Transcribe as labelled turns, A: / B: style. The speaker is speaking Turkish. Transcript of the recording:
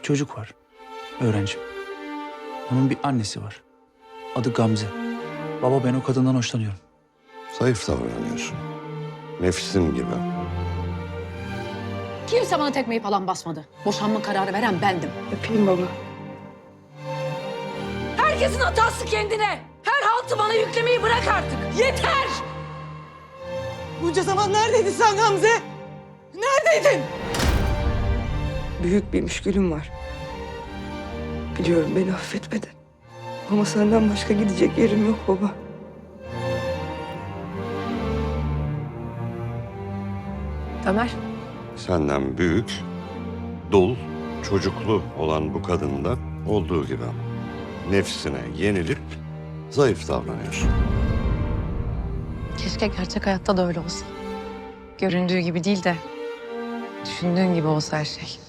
A: çocuk var. Öğrenci. Onun bir annesi var. Adı Gamze. Baba, ben o kadından hoşlanıyorum.
B: Zayıf davranıyorsun. Nefsin gibi.
C: Kimse bana tekmeyi falan basmadı. Boşanma kararı veren bendim.
D: Öpeyim baba.
C: Herkesin hatası kendine. Her haltı bana yüklemeyi bırak artık. Yeter!
D: Bunca zaman neredeydin sen Gamze? Neredeydin? Büyük bir müşkülüm var. Biliyorum beni affetmedin. Ama senden başka gidecek yerim yok baba.
C: Ömer.
B: Senden büyük, dul, çocuklu olan bu kadında olduğu gibi nefsine yenilip zayıf davranıyorsun.
E: Keşke gerçek hayatta da öyle olsa. Göründüğü gibi değil de düşündüğün gibi olsa her şey.